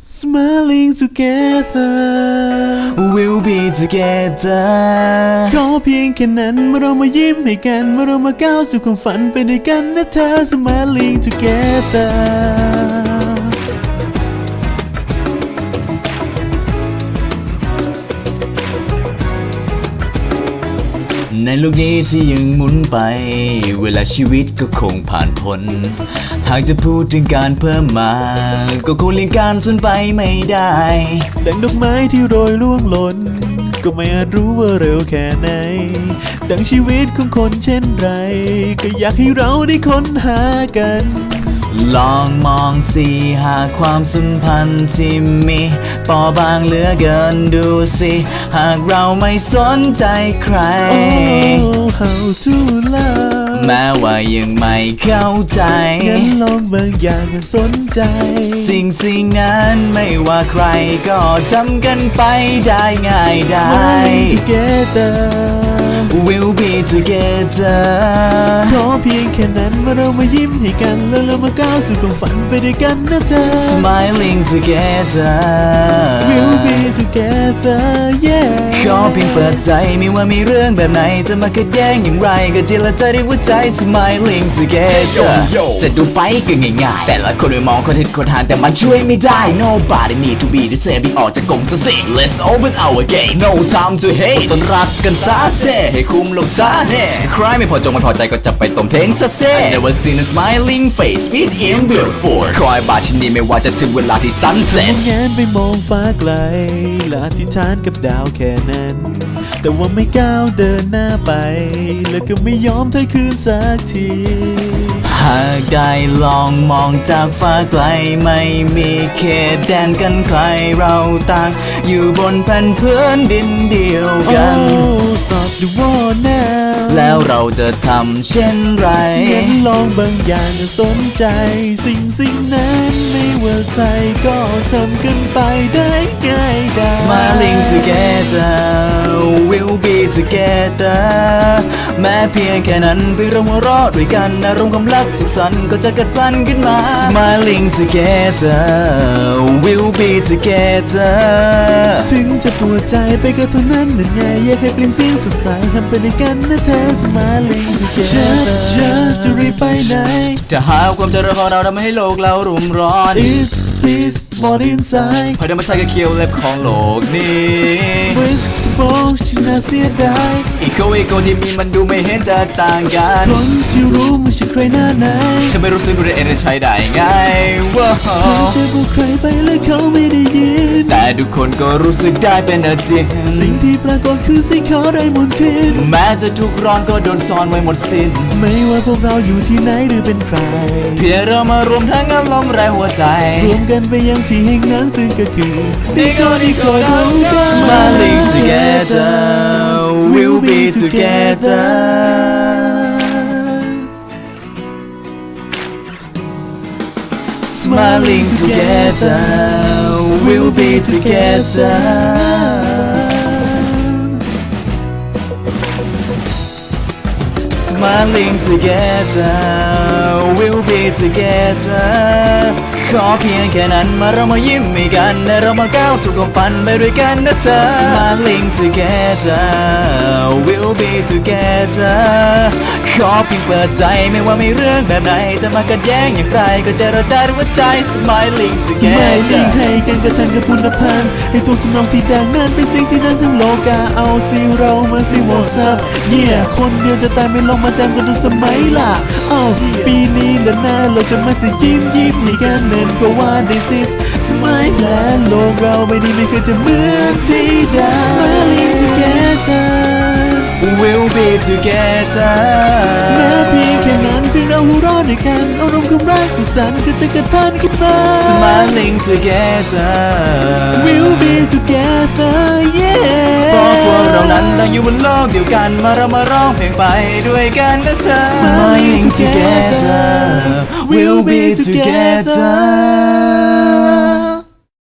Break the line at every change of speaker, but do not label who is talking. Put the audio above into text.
Smiling together
We'll be together
ขอเพียงแค่นั้นเมื่อเรามายิ้มให้กันเมื่อเรามาก้าวสู่ความฝันไปด้วยกันนะเธอ Smiling together
ในโลกนี้ที่ยังหมุนไปเวลาชีวิตก็คงผ่านพ้นหากจะพูดถึงการเพิ่มมาก็คงเลี่ยงการสูญไปไม่ได้
ดังดอกไม้ที่โรยร่วงหล่นก็ไม่อาจรู้ว่าเร็วแค่ไหนดังชีวิตของคนเช่นไรก็อยากให้เราได้ค้นหากัน
ลองมองสิหากความสัมพันธ์ที่มีเปราะบางเหลือเกินดูสิหากเราไม่สนใจใคร
Oh how to love
แม้ว่ายังไม่เข้าใจ
งั้นลองบางอย่างกันสนใจ
สิ่งนั้นไม่ว่าใครก็ทำกันไปได้ง่ายได้
Smiling together
We'll be together
ขอเพียงแค่นั้นเมื่อเรามายิ้มให้กันแล้วเรามาก้าวสู่ความฝันไปด้วยกันนะเธอ
Smiling together
We'll be together yeah
ขอเพียงเปิดใจไม่ว่ามีเรื่องแบบไหนจะมาขัดแย้งอย่างไรก็เจรจาด้วยหัวใจ Smiling together จะดูไปก็ง่ายๆแต่ละคนไปมองคนเห็นคนทานแต่มันช่วยไม่ได้ Nobody need to be the same ออกจากกรงซะสิ Let's open our gate No time to hate ต้นรักกันซะเซ่ให้คุมลงซะแน่ใครไม่พอใจก็จะไปต้มเท้งซะเซ่ I never seen a smiling face with him before คอยบาที่นี่ไม่ว่าจะถึงเวลาที่ sunset
แงนไปมองฟ้าไกลและอธิษฐานกับดาวแค่นั้นแต่ว่าไม่ก้าวเดินหน้าไปแล้วก็ไม่ยอมถอยคืนสักที
หากได้ลองมองจากฟ้าไกลไม่มีเขตแดนกันใครเราต่างอยู่บนแผ่นพื้นดินเดียวกัน
Oh stop the war now
แล้วเราจะทำเช่นไร
งั้นลองบางอย่างจะสนใจสิ่งนั้นไม่ว่าใครก็ทำกันไปได้ง่ายได้
Smiling together we'll be together แม้เพียงแค่นั้นไปเราหัวเราะด้วยกันอารมณ์ความรักสุขสันต์ก็จะเกิดพลันขึ้นมา Smiling together we'll be together
ถึงจะปวดใจไปก็เท่านั้นนั่นไงอยากให้เปลี่ยนเสียงสดใสทำไปด้วยกันนะเธอ Smiling together จะรีบไปไหน
จะหาความเจริญของเราทำให้โลกเรารุ่มร้อน
Is this more inside
พอเดินมาใช้กับเคียวเล็บของโลกนี้
Risk to bow ฉันน่าเสียดาย
อีโคที่มีมันดูไม่เห็นจะต่างกัน
คนที่รู้ไม่ใช่ใครหน้าไหน
ถ้าไม่รู้สึกรู้ได้เองจะใช้ได้ไงว้าว
จะบอกใครไปแล้วเขาไม่ได้ยิน
แต่ทุกคนก็รู้สึกได้เป็นจริง
สิ่งที่ปรากฏคือสิ่งเขาได้มนทิน
แม้จะทุกร้อนก็โดนซ่อนไว้หมดสิ้น
ไม่ว่าพวกเราอยู่ที่ไหนหรือเป็นใคร
เพียงเรามารวมทั้งอารมณ์แรงหัวใจ
รวมกันไปยังที่แห่งนั้นซึ่งก็คือดีก็เท่ากัน
Smiling together we'll be together Smiling together we'll be together Smiling together we'll be together ขอเพียงแค่นั้นมาเรามายิ้มให้กันและเรามาก้าวสู่ความฝันไปด้วยกันนะเธอ Smiling together we'll be together ขอเพียงเปิดใจไม่ว่ามีเรื่องแบบไหนจะมาขัดแย้งอย่างไรก็จะเราใจด้วยหัวใจ Smiling together
ให้กันกระทันกับพุทธพันธ์ให้ทุกทำนองที่ดังนั้นเป็นสิ่งที่นั่งทั้งโลกาเอาสิเรามาสิโมซับคนเดียวจะตายไม่ลงมาจำกันทุกสมัยล่ะปีนี้และหน้าเราจะมาแต่ยิ้มให้กันเน้นเพราะว่า this is smile และโลกเราไม่นี้ไม่เคยจะเหมือนที่ใด Smiling together
we'll be together
แม้เพียงแค่นั้นเพียงเราหัวเราะด้วยกันอารมณ์ความรักสุขสันต์ก็จะเกิดพันขึ้นมา
Smiling together
we'll be together yeah
เพราะพวกเรานั้นต่างอยู่บนโลกเดียวกันมาเรามาร้องเพลงไปด้วยกันนะเธอ
Smiling together
we'll be together